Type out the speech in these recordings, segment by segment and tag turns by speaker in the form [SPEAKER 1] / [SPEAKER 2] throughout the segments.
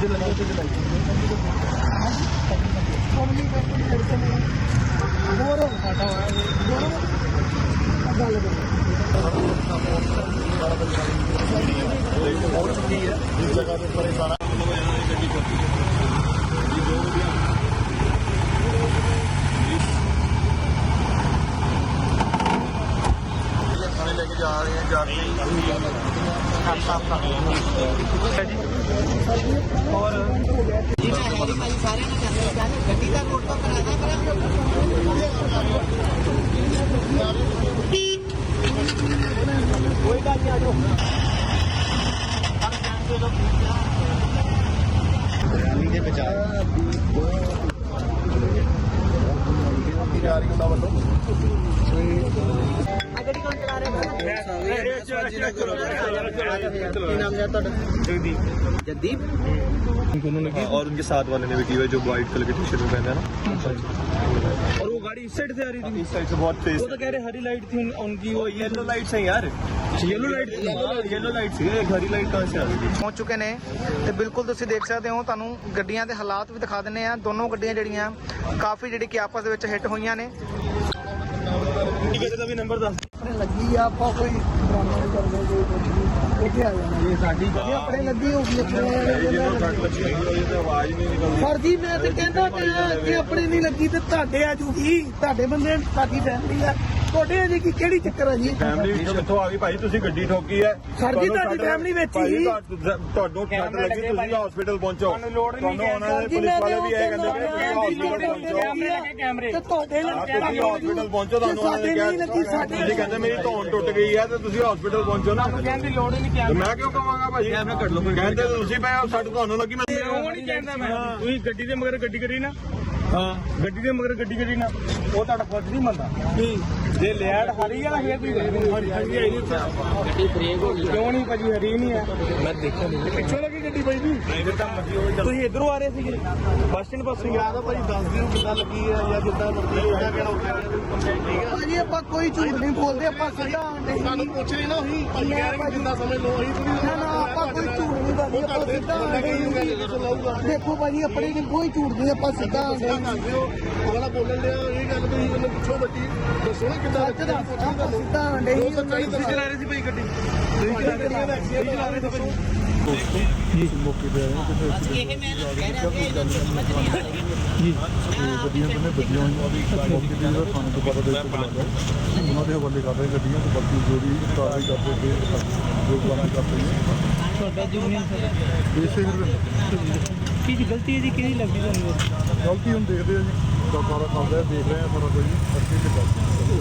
[SPEAKER 1] जगह के ऊपर सारा लेके जा रहे हैं और कोई बात नहीं आ जाओ बचा
[SPEAKER 2] जगदीप
[SPEAKER 1] और उनके साथ वाले ने भी की हुई जो व्हाइट कलर की टी शर्ट में पहना है ना।
[SPEAKER 3] और वो गाड़ी इस साइड से आ रही थी,
[SPEAKER 1] इस साइड से बहुत तेज
[SPEAKER 3] वो तो कह रहे हरी लाइट थी उनकी,
[SPEAKER 1] वो येलो लाइट से यार,
[SPEAKER 3] येलो लाइट
[SPEAKER 1] येलो लाइट से हरी लाइट कहाँ से आ रही थी।
[SPEAKER 2] ਪਹੁੰਚ ਚੁੱਕੇ ਨੇ ਤੇ ਬਿਲਕੁਲ ਤੁਸੀਂ ਦੇਖ ਸਕਦੇ ਹੋ। ਤੁਹਾਨੂੰ ਗੱਡੀਆਂ ਦੇ ਹਾਲਾਤ ਵੀ ਦਿਖਾ ਦਿੰਨੇ ਆ। ਦੋਨੋਂ ਗੱਡੀਆਂ ਜਿਹੜੀਆਂ ਕਾਫੀ ਜਿਹੜੀ ਕਿ ਆਪਸ ਦੇ ਵਿੱਚ ਹਿੱਟ ਹੋਈਆਂ ਨੇ।
[SPEAKER 3] टिकट का भी नंबर दस
[SPEAKER 2] ਲੱਗੀ ਆ ਆਪਾਂ ਕੋਈ ਡਰਾਮਾ ਨਹੀਂ ਕਰਦੇ ਕੋਈ ਇੱਥੇ ਆ ਜਾਣਾ ਇਹ ਸਾਡੀ ਗੱਡੀ ਆਪਣੇ ਲੱਗੀ ਹੋਊਗੀ
[SPEAKER 1] आवाज नहीं निकलती।
[SPEAKER 2] ਸਰ ਜੀ ਮੈਂ ਤੇ ਕਹਿੰਦਾ ਕਿ ਆਪਣੇ ਨਹੀਂ ਲੱਗੀ ਤੇ ਤੁਹਾਡੇ ਆ ਜੂਗੀ, ਤੁਹਾਡੇ ਬੰਦੇ ਸਾਡੀ ਫੈਮਿਲੀ ਆ, ਤੁਹਾਡੇ ਆ ਜੀ ਕੀ ਕਿਹੜੀ ਚੱਕਰ ਆ ਜੀ।
[SPEAKER 1] ਫੈਮਿਲੀ ਕਿੱਥੋਂ ਆ ਗਈ ਭਾਈ, ਤੁਸੀਂ ਗੱਡੀ ਠੋਕੀ ਹੈ
[SPEAKER 2] ਸਰ ਜੀ ਤੁਹਾਡੀ ਫੈਮਿਲੀ ਵਿੱਚ ਹੀ
[SPEAKER 1] ਤੁਹਾਨੂੰ ਠੱਡ ਲੱਗੀ, ਤੁਸੀਂ ਹਸਪੀਟਲ ਪਹੁੰਚੋ। ਤੁਹਾਨੂੰ ਉਹਨਾਂ ਦੇ ਪੁਲਿਸ ਵਾਲੇ ਵੀ ਇਹ ਕਹਿੰਦੇ ਕਿ ਤੁਸੀਂ ਹਸਪੀਟਲ ਪਹੁੰਚੋ
[SPEAKER 2] ਤੇ ਤੁਹਾਡੇ ਨਾਲ
[SPEAKER 1] ਤੁਸੀਂ ਹਸਪੀਟਲ ਪਹੁੰਚੋ। ਤੁਹਾਨੂੰ ਉਹਨਾਂ ਨੇ ਕਿਹਾ ਤੁਸੀਂ ਕਹਿੰਦੇ ਮੇਰੀ ਧੌਣ ਟੁੱਟ ਗਈ ਹੈ ਤੇ ਤੁਸੀਂ ਹਸਪੀਟਲ ਪਹੁੰਚੋ ਨਾ।
[SPEAKER 3] कहने की लोड़ ही नहीं,
[SPEAKER 1] ਤੇ ਮੈਂ ਕਿਉਂ ਕਵਾਂਗਾ ਭਾਜੀ, ਕਹਿੰਦੇ ਤੁਸੀਂ ਪਏ ਸਾਡੇ ਤੁਹਾਨੂੰ ਲੱਗੀ ਮੈਂ
[SPEAKER 3] नहीं कहता मैं ਤੁਸੀਂ ਗੱਡੀ ਦੇ ਮਗਰ ਗੱਡੀ ਕਰੀ ਨਾ। ਹਾਂ ਗੱਡੀ ਦੇ ਮਗਰ ਗੱਡੀ ਕਰੀ ਨਾ, ਉਹ ਤੁਹਾਡਾ ਫਰਜ਼ ਨਹੀਂ ਮੰਨਦਾ। ਜੇ ਲੈਟ ਹਰੀ ਆ ਫੇਰ ਤੁਸੀਂ ਗੱਡੀ ਬ੍ਰੇਕ ਹੋ ਗਈ ਕਿਉਂ ਨਹੀਂ ਭਾਜੀ, ਹਰੀ ਨਹੀਂ ਹੈ। ਮੈਂ ਦੇਖਿਆ ਨਹੀਂ ਪਿੱਛੋਂ ਲੱਗੀ ਗੱਡੀ ਭਾਈ ਜੀ, ਤੁਸੀਂ ਇਧਰੋਂ ਆ ਰਹੇ ਸੀਗੇ ਬੱਸ ਸਟੈਂਡ ਪਾਸੋਂ।
[SPEAKER 1] ਯਾਦ ਆ ਭਾਜੀ, ਦੱਸ ਦਿਓ ਕਿੱਦਾਂ ਲੱਗੀ ਹੈ ਜਾਂ ਜਿੱਦਾਂ ਮਰਜ਼ੀ ਕਿਹੜਾ ਕਿਹੜਾ
[SPEAKER 2] ਭਾਜੀ ਆਪਾਂ ਕੋਈ ਝੂਠ ਨਹੀਂ ਬੋਲਦੇ, ਆਪਾਂ ਸਿੱਧਾ ਆਂਦੇ
[SPEAKER 1] ਸਾਨੂੰ ਪੁੱਛ ਰਹੀ ਨਾ ਉਹੀ ਭਾਜੀ ਕਹਿ ਰਹੇ ਜਿੰਨਾ ਸਮਝ ਲਓ ਅਸੀਂ
[SPEAKER 2] ਨਾ ਨਾ ਆਪਾਂ ਕੋਈ ਝੂਠ ਨਹੀਂ ਬੋਲਦੇ, ਆਪਾਂ ਸਿੱਧਾ ਆਂਦੇ। ਦੇਖੋ ਭਾਜੀ ਆਪਣੇ ਨੇ ਕੋਈ ਝੂਠ ਨਹੀਂ, ਆਪਾਂ ਸਿੱਧਾ ਆਂਦੇ।
[SPEAKER 1] ਉਹਦਾ ਬੋਲਣ ਲਿਆ ਇਹ ਗੱਲ ਤੁਸੀਂ ਮੈਨੂੰ ਪੁੱਛੋ ਬੱਚੀ ਦੱਸੋ ਨਾ ਕਿੱਦਾਂ
[SPEAKER 2] ਆਪਾਂ ਸਿੱਧਾ ਆਂਦੇ
[SPEAKER 1] ਤੁਸੀਂ ਚਲਾ
[SPEAKER 3] ਰਹੇ ਸੀ ਭਾਈ ਗੱਡੀ,
[SPEAKER 1] ਤੁਸੀਂ ਚਲਾ ਰਹੇ ਸੀ
[SPEAKER 4] ਜੀ ਮੌਕੇ ਤੇ ਆਏ ਹਾਂ ਕਿਤੇ
[SPEAKER 5] ਇਹ ਮੈਂ ਕਹਿ ਰਿਹਾ ਕਿ ਇਹਨਾਂ ਨੂੰ ਸਮਝ ਨਹੀਂ ਆ ਰਹੀ
[SPEAKER 4] ਜੀ ਗੱਡੀਆਂ ਨੇ ਵੱਡੀਆਂ ਹੋਈਆਂ ਮੌਕੇ ਤੇ ਜਿਹੜਾ ਥਾਣੇ ਤੋਂ ਪਤਾ ਦੇ ਕੇ ਬੁਲਾਇਆ ਉਹਨਾਂ ਦੇ ਹਵਾਲੇ ਕਰ ਰਹੇ ਗੱਡੀਆਂ ਤੇ ਬਾਕੀ ਜੋ ਵੀ ਕਾਰਵਾਈ ਕਰਦੇ ਪਏ ਜੋ ਕਾਰਵਾਈ ਕਰਦੇ ਨੇ
[SPEAKER 5] ਤੁਹਾਡਾ ਜੂਨੀਅਰ ਸਰ
[SPEAKER 4] ਇਸੇ
[SPEAKER 5] ਕੀ ਗਲਤੀ ਹੈ ਜੀ, ਕਿਹਦੀ ਲੱਗਦੀ ਤੁਹਾਨੂੰ?
[SPEAKER 4] ਗਲਤੀ ਹੁਣ ਦੇਖਦੇ ਆ ਜੀ ਸਾਰਾ ਕਰਦੇ ਆ, ਦੇਖ ਰਹੇ ਆ ਸਾਰਾ ਕੁਝ ਅੱਗੇ ਤੇ ਕਰਦੇ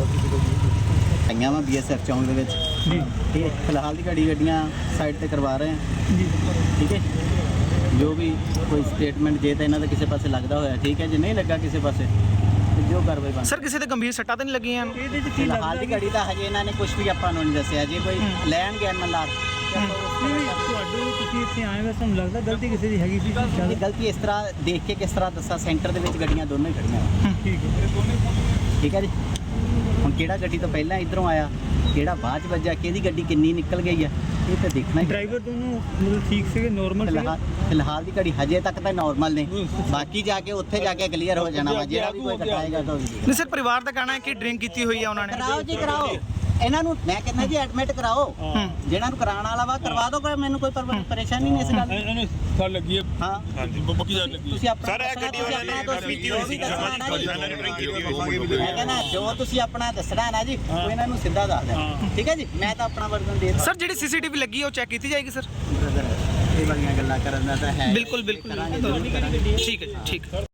[SPEAKER 6] ਆਈਆਂ ਵਾ BSF ਚੌਂਕ ਦੇ ਵਿੱਚ ਜੀ। ਇਹ ਫਿਲਹਾਲ ਦੀ ਗੱਡੀਆਂ ਸਾਈਡ ਤੇ ਕਰਵਾ ਰਹੇ ਆ ਜੀ, ਠੀਕ ਹੈ। ਜੋ ਵੀ ਕੋਈ ਸਟੇਟਮੈਂਟ ਜੇ ਤਾਂ ਇਹਨਾਂ ਦਾ ਕਿਸੇ ਪਾਸੇ ਲੱਗਦਾ ਹੋਇਆ ਠੀਕ ਹੈ, ਜੇ ਨਹੀਂ ਲੱਗਾ ਕਿਸੇ ਪਾਸੇ ਤੇ ਜੋ ਕਾਰਵਾਈ ਬਣ।
[SPEAKER 2] ਸਰ ਕਿਸੇ ਤੇ ਗੰਭੀਰ ਸੱਟਾਂ ਤਾਂ ਨਹੀਂ ਲੱਗੀਆਂ?
[SPEAKER 5] ਇਹਦੇ ਚ ਕੀ
[SPEAKER 6] ਫਿਲਹਾਲ ਦੀ ਗੱਡੀ ਤਾਂ ਹਜੇ ਇਹਨਾਂ ਨੇ ਕੁਝ ਵੀ ਆਪਾਂ ਨੂੰ ਨਹੀਂ ਦੱਸਿਆ। ਜੇ ਕੋਈ ਲੈਣ ਗਿਆ ਨਾ ਲਾ
[SPEAKER 5] ਤੁਹਾਨੂੰ ਤੁਸੀਂ ਇੱਥੇ ਆਏ ਵੈਸੇ ਤੁਹਾਨੂੰ ਲੱਗਦਾ ਗਲਤੀ ਕਿਸੇ ਦੀ ਹੈਗੀ ਸੀ?
[SPEAKER 6] ਇਹ ਗਲਤੀ ਇਸ ਤਰ੍ਹਾਂ ਦੇਖ ਕੇ ਕਿਸ ਤਰ੍ਹਾਂ ਦੱਸਾਂ, ਸੈਂਟਰ ਦੇ ਵਿੱਚ ਗੱਡੀਆਂ ਦੋਨੋਂ ਹੀ ਖੜੀਆਂ
[SPEAKER 5] ਠੀਕ ਹੈ
[SPEAKER 6] ਠੀਕ ਹੈ ਜੀ। ਹੁਣ ਕਿਹੜਾ ਗੱਡੀ ਤੋਂ ਪਹਿਲਾਂ ਇਧਰੋਂ ਆਇਆ, ਕਿਹੜਾ ਬਾਅਦ ਚ ਵੱਜਾ, ਕਿਹਦੀ ਗੱਡੀ ਕਿੰਨੀ ਨਿਕਲ ਗਈ ਆ, ਇਹ ਤਾਂ ਦੇਖਣਾ ਹੀ।
[SPEAKER 5] ਡਰਾਈਵਰ ਦੋਨੋਂ ਮਤਲਬ ਠੀਕ ਸੀਗੇ, ਨੋਰਮਲ ਸੀਗੇ?
[SPEAKER 6] ਫਿਲਹਾਲ ਦੀ ਘੜੀ ਹਜੇ ਤੱਕ ਤਾਂ ਨਾਰਮਲ ਨੇ, ਬਾਕੀ ਜਾ ਕੇ ਉੱਥੇ ਜਾ ਕੇ ਕਲੀਅਰ ਹੋ ਜਾਣਾ ਵਾ। ਜਿਹੜਾ ਵੀ ਕੋਈ ਕਟਾਏਗਾ ਤਾਂ
[SPEAKER 2] ਨਹੀਂ ਸਰ ਪਰਿਵਾਰ ਦਾ ਕਹਿਣਾ ਹੈ ਕਿ ਡਰਿੰਕ ਕੀਤੀ ਹੋਈ ਆ ਉਹਨਾਂ ਨੇ।
[SPEAKER 6] ਕਰਾਓ ਜੀ ਕਰਾਓ, ਇਹਨਾਂ ਨੂੰ ਮੈਂ ਕਹਿੰਦਾ ਜੀ ਐਡਮਿਟ ਕਰਾਓ, ਜਿਹਨਾਂ ਨੂੰ ਕਰਾਉਣ ਵਾਲਾ ਵਾ ਕਰਵਾ ਦਿਓ, ਕੋਈ ਮੈਨੂੰ ਕੋਈ ਪਰੇਸ਼ਾਨੀ ਨਹੀਂ ਇਸ ਗੱਲ ਦੀ।
[SPEAKER 3] ਇਹਨੇ ਫੜ ਲੱਗੀ ਹੈ।
[SPEAKER 6] ਹਾਂ
[SPEAKER 3] ਹਾਂਜੀ ਬੱਕੀ ਜਾ ਲੱਗੀ
[SPEAKER 6] ਤੁਸੀਂ ਆਪਣਾ
[SPEAKER 1] ਸਰ ਇਹ ਗੱਡੀ ਵਾਲਿਆਂ ਨੇ ਪੀਤੀ ਹੋਈ ਸੀ,
[SPEAKER 6] ਮੈਂ ਕਹਿੰਦਾ ਜੋ ਤੁਸੀਂ ਆਪਣਾ ਦੱਸਣਾ ਨਾ ਜੀ ਉਹ ਇਹਨਾਂ ਨੂੰ ਸਿੱਧਾ ਦੱਸ ਦੇਣਾ, ਠੀਕ ਹੈ ਜੀ। ਮੈਂ ਤਾਂ ਆਪਣਾ ਵਰਜ਼ਨ ਦੇ
[SPEAKER 2] ਸਰ ਜਿਹੜੀ CCTV ਲੱਗੀ ਉਹ ਚੈੱਕ ਕੀਤੀ ਜਾਏਗੀ ਸਰ?
[SPEAKER 6] ਇਹ ਵਾਲੀਆਂ ਗੱਲਾਂ ਕਰਨ ਦਾ ਤਾਂ ਹੈ
[SPEAKER 2] ਬਿਲਕੁਲ ਬਿਲਕੁਲ
[SPEAKER 6] ਕਰਾਂਗੇ, ਜ਼ਰੂਰ ਕਰਾਂਗੇ।
[SPEAKER 2] ਠੀਕ ਹੈ ਜੀ, ਠੀਕ ਹੈ।